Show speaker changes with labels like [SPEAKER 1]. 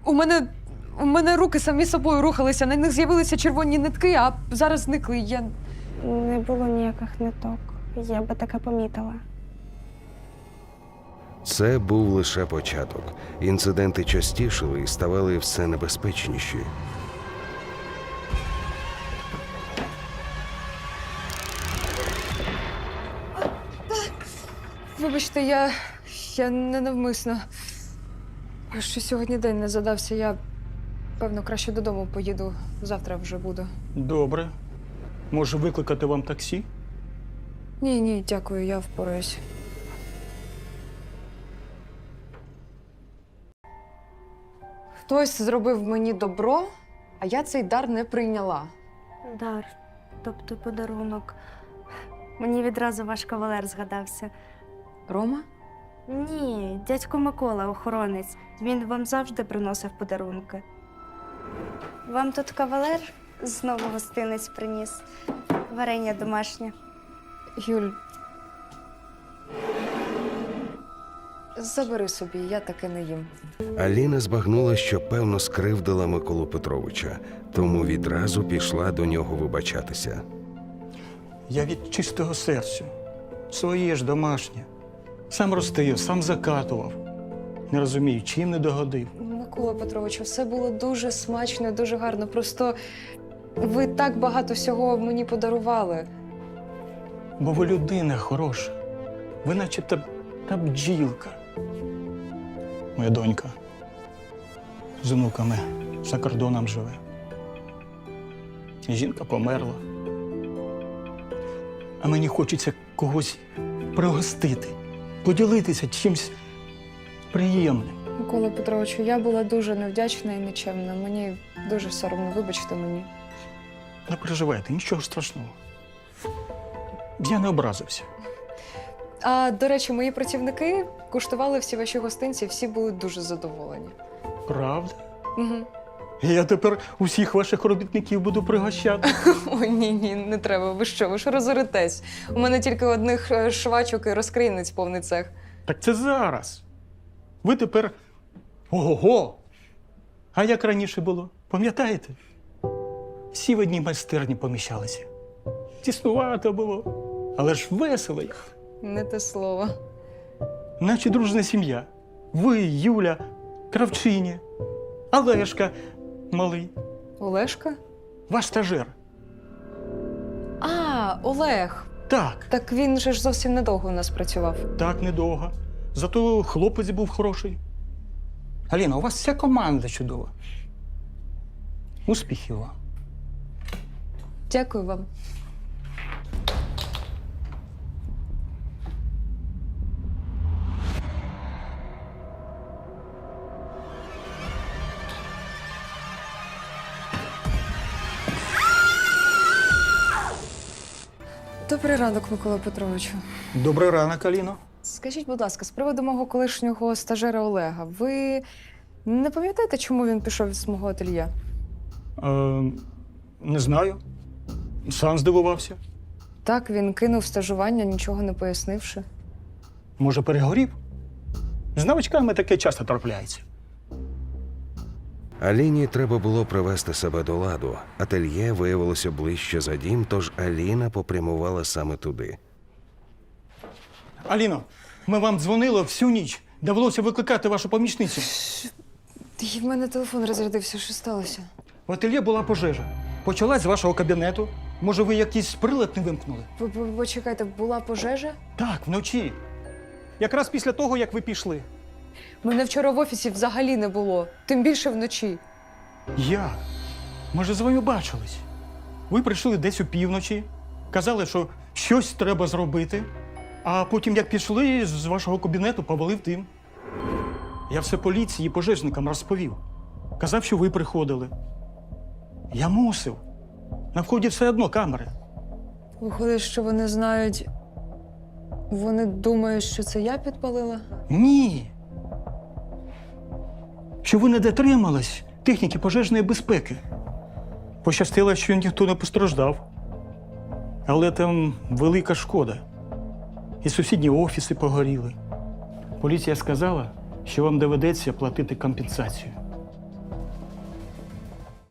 [SPEAKER 1] У мене руки самі собою рухалися, на них з'явилися червоні нитки, а зараз зникли.
[SPEAKER 2] Не було ніяких ниток. Я би таке помітила.
[SPEAKER 3] Це був лише початок. Інциденти частішали і ставали все небезпечніші.
[SPEAKER 1] Вибачте, я ненавмисно. Що сьогодні день не задався, я, певно, краще додому поїду. Завтра вже буду.
[SPEAKER 4] Добре. Може, викликати вам таксі?
[SPEAKER 1] Ні, дякую, я впораюсь. Хтось зробив мені добро, а я цей дар не прийняла.
[SPEAKER 2] Дар, тобто подарунок. Мені відразу ваш кавалер згадався.
[SPEAKER 1] Рома?
[SPEAKER 2] Ні, дядько Микола, охоронець. Він вам завжди приносив подарунки. Вам тут кавалер знову гостинець приніс. Варення домашнє.
[SPEAKER 1] Юль, забери собі, я таке не їм.
[SPEAKER 3] Аліна збагнула, що певно скривдила Миколу Петровича, тому відразу пішла до нього вибачатися.
[SPEAKER 4] Я від чистого серця. Своє ж домашнє. Сам ростив, сам закатував. Не розумію, чим не догодив.
[SPEAKER 1] Микола Петровичу, все було дуже смачно, дуже гарно. Просто ви так багато всього мені подарували.
[SPEAKER 4] Бо ви людина хороша. Ви наче та бджілка. Моя донька з онуками за кордоном живе. Жінка померла. А мені хочеться когось пригостити, поділитися чимось приємним.
[SPEAKER 1] Микола Петровичу, я була дуже невдячна і нечемна. Мені дуже соромно, вибачте мені.
[SPEAKER 4] Не переживайте, нічого страшного. Я не образився.
[SPEAKER 1] А, до речі, мої працівники куштували всі ваші гостинці, всі були дуже задоволені.
[SPEAKER 4] Правда?
[SPEAKER 1] Угу.
[SPEAKER 4] Я тепер усіх ваших робітників буду пригощати.
[SPEAKER 1] Ой, ні, не треба. Ви ж розоритесь? У мене тільки одних швачок і розкрійниць повний цех.
[SPEAKER 4] Так це зараз. Ви тепер ого-го! А як раніше було? Пам'ятаєте? Всі в одній майстерні поміщалися. Тіснувато було, але ж весело.
[SPEAKER 1] Не те слово.
[SPEAKER 4] Наче дружна сім'я. Ви, Юля, Кравчиня, Олешка малий,
[SPEAKER 1] Олешка?
[SPEAKER 4] ваш стажер.
[SPEAKER 1] А, Олег.
[SPEAKER 4] Так,
[SPEAKER 1] Так він же ж зовсім недовго у нас працював.
[SPEAKER 4] так, недовго. Зато хлопець був хороший. Аліна, у вас вся команда чудова. Успіхів вам.
[SPEAKER 1] Дякую вам. Добрий ранок, Микола Петровичу.
[SPEAKER 4] Добрий ранок, Аліно.
[SPEAKER 1] Скажіть, будь ласка, з приводу мого колишнього стажера Олега, ви не пам'ятаєте, чому він пішов з мого ательє?
[SPEAKER 4] Не знаю. Сам здивувався.
[SPEAKER 1] Так, він кинув стажування, нічого не пояснивши.
[SPEAKER 4] Може, перегорів? З новачками таке часто трапляється.
[SPEAKER 3] Аліні треба було привести себе до ладу. Ательє виявилося ближче за дім, тож Аліна попрямувала саме туди.
[SPEAKER 4] Аліно, ми вам дзвонили всю ніч. Довелося викликати вашу помічницю.
[SPEAKER 1] І в мене телефон розрядився, що сталося?
[SPEAKER 4] В ательє була пожежа. Почалась з вашого кабінету. Може, ви якийсь прилад не вимкнули?
[SPEAKER 1] Почекайте, була пожежа?
[SPEAKER 4] Так, вночі. Якраз після того, як ви пішли.
[SPEAKER 1] Мене вчора в офісі взагалі не було, тим більше вночі.
[SPEAKER 4] Як? Ми ж з вами бачились. Ви прийшли десь опівночі, казали, що щось треба зробити, а потім, як пішли, з вашого кабінету повалив дим. Я все поліції і пожежникам розповів. Казав, що ви приходили. Я мусив. На вході все одно камери.
[SPEAKER 1] Виходить, що вони знають. Вони думають, що це я підпалила?
[SPEAKER 4] Ні. Що ви не дотримались техніки пожежної безпеки. Пощастило, що ніхто не постраждав. Але там велика шкода. І сусідні офіси погоріли. Поліція сказала, що вам доведеться платити компенсацію.